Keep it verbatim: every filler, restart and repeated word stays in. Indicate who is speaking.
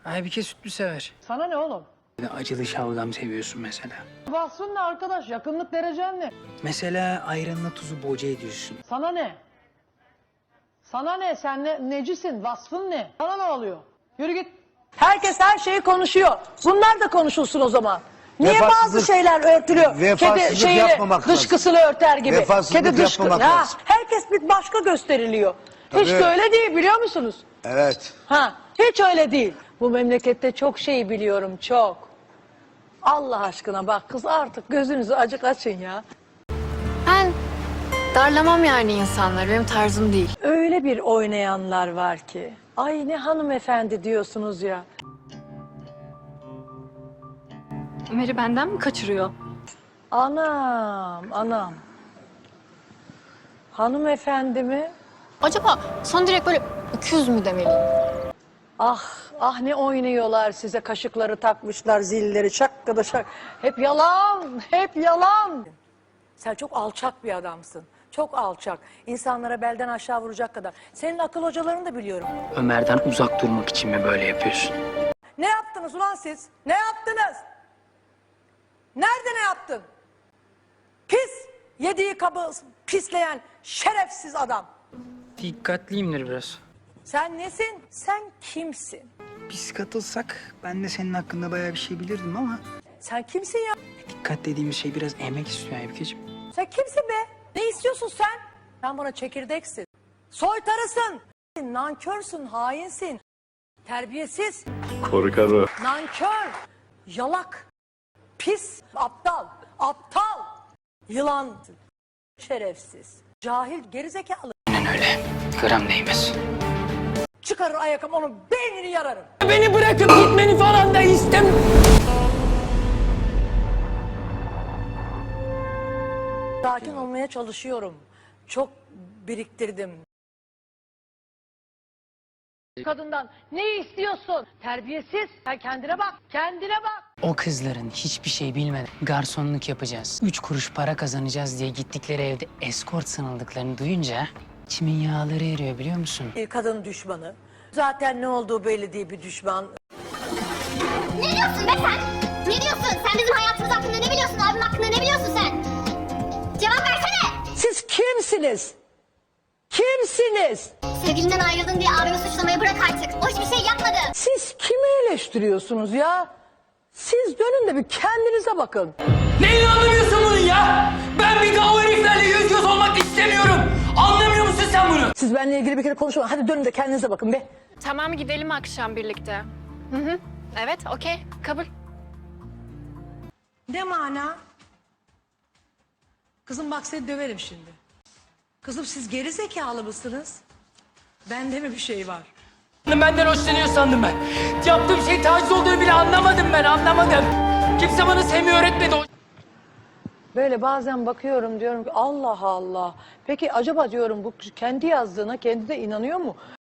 Speaker 1: Aybike sütlü sever.
Speaker 2: Sana ne oğlum?
Speaker 1: Bir de acılı şalgam seviyorsun mesela.
Speaker 2: Vasfın ne arkadaş? Yakınlık derecen ne?
Speaker 1: Mesela ayranla tuzu boca ediyorsun.
Speaker 2: Sana ne? Sana ne? Sen ne, necisin? Vasfın ne? Sana ne oluyor? Yürü git. Herkes her şeyi konuşuyor. Bunlar da konuşulsun o zaman. Niye
Speaker 3: Vefasızlık-
Speaker 2: bazı şeyler örtülüyor?
Speaker 3: vefasızlık
Speaker 2: Kedi şeyi
Speaker 3: yapmamak lazım.
Speaker 2: dışkısını örter gibi.
Speaker 3: Vefasızlık
Speaker 2: Kedi dışkı.
Speaker 3: yapmamak
Speaker 2: Ha,
Speaker 3: lazım.
Speaker 2: herkes bir başka gösteriliyor. Hiç
Speaker 3: Tabii.
Speaker 2: de öyle değil biliyor musunuz?
Speaker 3: Evet.
Speaker 2: Ha, hiç öyle değil. Bu memlekette çok şey biliyorum, çok. Allah aşkına bak kız artık gözünüzü acık açın ya.
Speaker 4: Ben darlamam yani insanları. Benim tarzım değil.
Speaker 2: Öyle bir oynayanlar var ki. Ay ne hanımefendi diyorsunuz ya.
Speaker 4: Ömer'i benden mi kaçırıyor?
Speaker 2: Anam, anam. Hanımefendi mi?
Speaker 4: Acaba son direkt böyle öküz mü demeliyim?
Speaker 2: Ah, ah ne oynuyorlar size. Kaşıkları takmışlar, zilleri şakkıda şak. Hep yalan, hep yalan. Sen çok alçak bir adamsın. Çok alçak. İnsanlara belden aşağı vuracak kadar. Senin akıl hocalarını da biliyorum.
Speaker 1: Ömer'den uzak durmak için mi böyle yapıyorsun?
Speaker 2: Ne yaptınız ulan siz? Ne yaptınız? Nerede ne yaptın? Pis, yediği kabı pisleyen şerefsiz adam.
Speaker 1: Dikkatliyimdir biraz.
Speaker 2: Sen nesin? Sen kimsin?
Speaker 1: Biz katılsak ben de senin hakkında bayağı bir şey bilirdim ama...
Speaker 2: Sen kimsin ya?
Speaker 1: Dikkat dediğimiz şey biraz emek istiyor Aybikeciğim.
Speaker 2: Sen kimsin be? Ne istiyorsun sen? Sen bana çekirdeksin. Soytarısın. Nankörsün, hainsin. Terbiyesiz.
Speaker 5: Korkarım.
Speaker 2: Nankör. Yalak. Pis. Aptal. Aptal. Yılan. Şerefsiz. Cahil, gerizekalı.
Speaker 1: Aynen öyle. Gram değmez.
Speaker 2: Çıkarır ayakım onun beynini yararım.
Speaker 1: Beni bırakıp gitmeni falan da istem.
Speaker 2: Sakin olmaya çalışıyorum. Çok biriktirdim. Kadından ne istiyorsun? Terbiyesiz. Sen kendine bak. Kendine bak.
Speaker 1: O kızların hiçbir şey bilmeden garsonluk yapacağız. Üç kuruş para kazanacağız diye gittikleri evde eskort sanıldıklarını duyunca içimin yağları eriyor biliyor musun?
Speaker 2: Bir kadın düşmanı. Zaten ne olduğu belli değil bir düşman.
Speaker 6: Ne diyorsun be sen? Ne diyorsun? Sen bizim hayatımız hakkında ne biliyorsun? Abim hakkında ne biliyorsun sen? Cevap versene.
Speaker 2: Siz kimsiniz? Kimsiniz?
Speaker 6: Sevgilinden ayrıldın diye abimi suçlamayı bırak artık. O hiçbir şey yapmadı.
Speaker 2: Siz kimi eleştiriyorsunuz ya? Siz dönün de bir kendinize bakın.
Speaker 7: Neyle anlamıyorsun bunu ya? Ben bir daha o heriflerle yüz göz olmak istemiyorum. Anlamıyor musun sen bunu?
Speaker 2: Siz benimle ilgili bir kere konuşmayın. Hadi dönün de kendinize bakın be.
Speaker 4: Tamam gidelim akşam birlikte. Hı hı. Evet okey kabul.
Speaker 2: Ne mana? Kızım bak seni döverim şimdi. Kızım siz geri zekalı mısınız? Bende mi bir şey var?
Speaker 7: Benden hoşlanıyor sandım ben. Yaptığım şey taciz olduğunu bile anlamadım ben, anlamadım. Kimse bana sevmeyi öğretmedi.
Speaker 2: Böyle bazen bakıyorum diyorum ki Allah Allah. Peki acaba diyorum bu kendi yazdığına kendi de inanıyor mu?